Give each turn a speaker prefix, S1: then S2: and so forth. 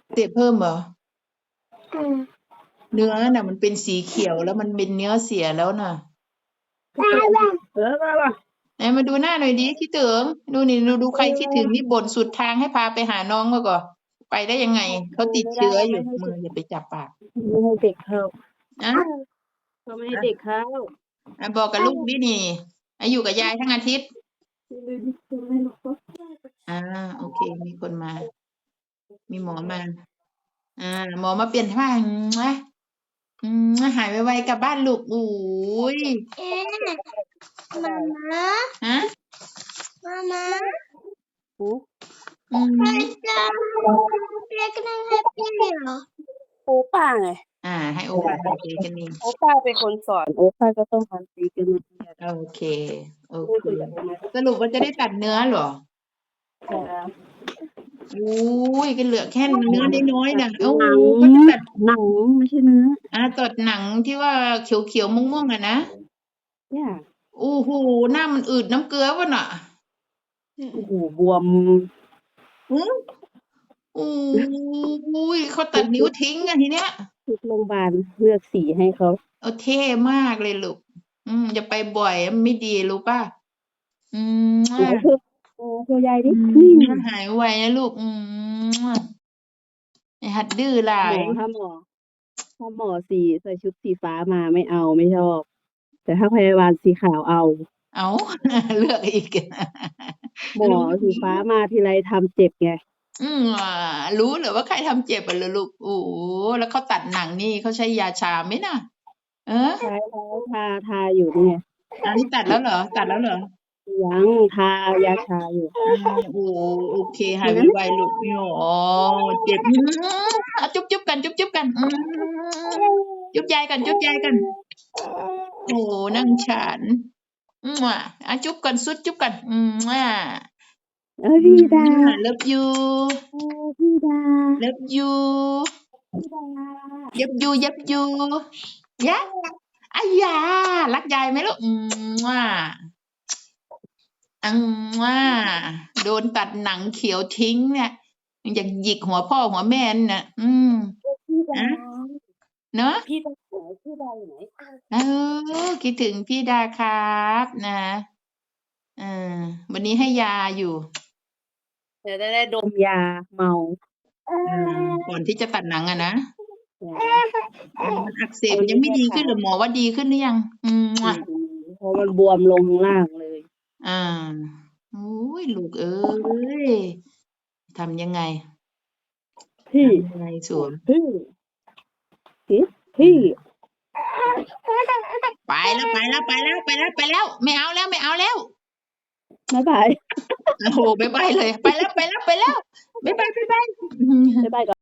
S1: เสพเพิ่มเหรอ
S2: อืม
S1: เนื้อน่ะมันเป็นสีเขียวแล้วมันเป็นเนื้อเสียแล้วน่ะ ไหนมาดูหน้าหน่อยดิคิดถึงดูนี่ดูใครคิดถึงนี่บ่นสุดทางให้พาไปหาน้องมาก่อนไปได้ยังไงเขาติดเชื้ออยู่มืออย่าไปจับปาก
S3: ไม่ให้เด็กเข้า
S1: นะ
S3: เขาไม่ให้เด็กเข้า
S1: บอกกับลูกดินี่อยู่กับยายทั้งอาทิตย์โอเค มีคนมา มีหมอมาหมอมาเปลี่ยนผ้าหายไวๆกลับบ้านลูกอุ้ย
S2: มาม่า
S1: ฮะ
S2: มาม่า
S1: อืม
S2: ใครจะเรียกนั่งแฮปปี้เหรอ
S3: โอป้าไง
S1: ให้โอป้าทำตีกันนี่
S3: โอป้าเป็นคนสอนโอป้าก็ต้องทำตีกันนะ
S1: โอเคสรุปว่าจะได้ตัดเนื้อเหรออุ้ยกันเหลือแค่เนื้อน้อยๆนะก็จะตัด
S3: หนังไม่ใช่เนื้อ
S1: ตัดหนังที่ว่าเขียวๆม่วงๆนะ
S3: เนี่ย
S1: โอ้โหหน้ามันอืดน้ำเกลือวะน่ะ
S3: โอ้โหบวม
S1: โอ้ยเขาตัดนิ้วทิ้งทีเนี้ย
S3: ทุกโรงพยาบาลเลือกสีให้เขา
S1: เท่มากเลยลูกอย่าไปบ่อยไม่ดีรู้ป่ะ
S3: โชว์ยายดิ
S1: หายไวนะลูกหัดดื้อหลาย
S3: ถ้าหมอใส่ชุดสีฟ้ามาไม่เอาไม่ชอบ แต่ถ้าพยาบาลสีขาวเอา
S1: เลือกอีก
S3: หมอสีฟ้ามาทีไรทำเจ็บไง
S1: รู้เหรอว่าใครทำเจ็บอะลูกโอ้แล้วเขาตัดหนังนี่เขาใช้ยาชาไหมน่ะ
S3: ใช้แล้วทาอยู่นี่ไง
S1: อันนี้ตัดแล้วเหรอ
S3: ยังทายาชาอยู่
S1: โอเคหายไวๆลูกเจ็บจุ๊บกันจุ๊บกันจุ๊บยายกันโอ้นั่งฉันจุ๊บกันสุดจุ๊บกัน
S3: พี่ดา
S1: love you
S3: พี่ดา
S1: love you ยับยูยะรักยายไหมลูกโดนตัดหนังเขียวทิ้งเนี่ยอยากหยิกหัวพ่อหัวแม่น่ะเนอะ
S3: พี่ดาอยู่ไหน
S1: คิดถึงพี่ดาครับนะวันนี้ให้ยาอยู่
S3: จะได้ดมยาเมา
S1: ก่อนที่จะตัดหนังนะมันอักเสบยังไม่ดีขึ้นหรือหมอว่าดีขึ้นหรือยัง
S3: เพราะมันบวมลงล่างเลย
S1: โอ้ยลูกเอ้ยทำยังไงสวม
S3: พี่
S1: ไปแล้วไม่เอาแล้วบ๊
S3: ายบาย
S1: โอ้โหบ๊ายบายเลยไปแล้วบ๊ายบายก่อน